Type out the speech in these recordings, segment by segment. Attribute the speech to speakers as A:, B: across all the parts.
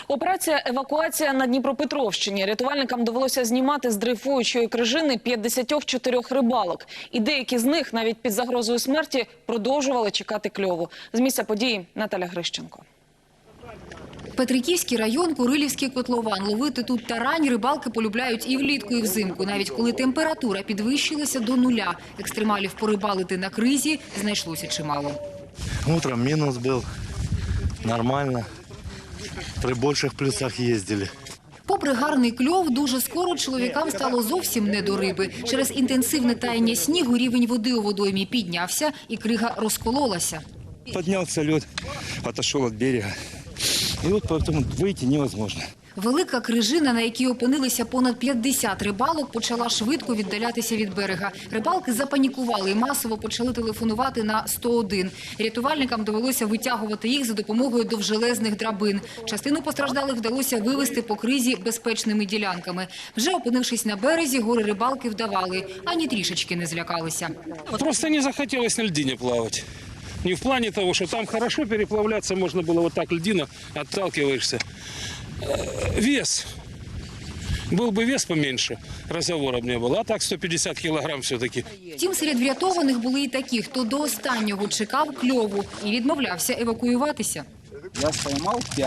A: Операція «Евакуація» на Дніпропетровщині. Рятувальникам довелося знімати з дрейфуючої крижини 54 рибалок. І деякі з них навіть під загрозою смерті продовжували чекати кльову. З місця події Наталя Грищенко.
B: Петриківський район, Курилівський котлован. Ловити тут тарань рибалки полюбляють і влітку, і взимку. Навіть коли температура підвищилася до нуля. Екстремалів порибалити на кризі знайшлося чимало.
C: Утром минус был. Нормально. При больших плюсах ездили.
B: Попри гарний кльов, дуже скоро чоловікам стало зовсім не до риби. Через інтенсивне таяння снігу рівень води у водоймі піднявся і крига розкололася.
D: Поднялся лед, отошел от берега. И вот поэтому выйти невозможно.
B: Велика крижина, на якій опинилися понад 50 рибалок, почала швидко віддалятися від берега. Рибалки запанікували і масово почали телефонувати на 101. Рятувальникам довелося витягувати їх за допомогою довжелезних драбин. Частину постраждалих вдалося вивести по кризі безпечними ділянками. Вже опинившись на березі, горе-рибалки вдавали, ані трішечки не злякалися.
E: Просто не захотелось на льдине плавать. Не в плане того, что там хорошо переплавляться можно было, вот так льдина, отталкиваешься. Вес. Был бы вес поменьше, разговоров не было. А так 150 килограмм все-таки.
B: Втім, серед врятованих були і такі, хто до останнього чекав кльову і відмовлявся евакуюватися.
F: Я поймал 5.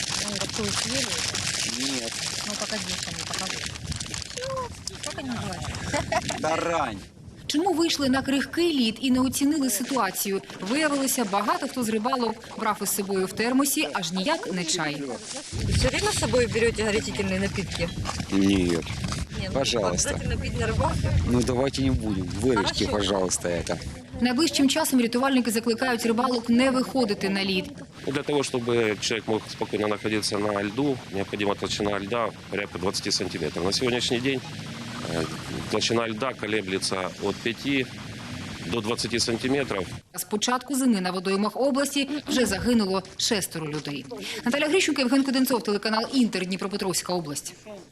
F: Нет.
G: Ну, погоди, не покажи. Как они называются?
F: Тарань.
B: Чому вийшли на крихкий лід і не оцінили ситуацію? Виявилося, багато хто з рибалок брав із собою в термосі аж ніяк не чай.
G: Все время с собой берете горячительные напитки?
F: Нет.
G: Нет,
F: Пожалуйста.
G: обязательно пить на рыбалке?
F: Ну давайте не будем. Вырежьте,
G: Хорошо.
F: пожалуйста, это.
B: Найближчим часом рятувальники закликають рибалок не виходити на лід.
H: Для того, чтобы человек мог спокойно находиться на льду, необходима толщина льда порядка 20 сантиметров. На сегодняшний день толщина льда колеблется от 5 до 20 сантиметров.
B: З початку зими на водоймах області вже загинуло 6 людей. Наталя Грищенко, Євген Куденцов, телеканал «Інтер», Дніпропетровська область.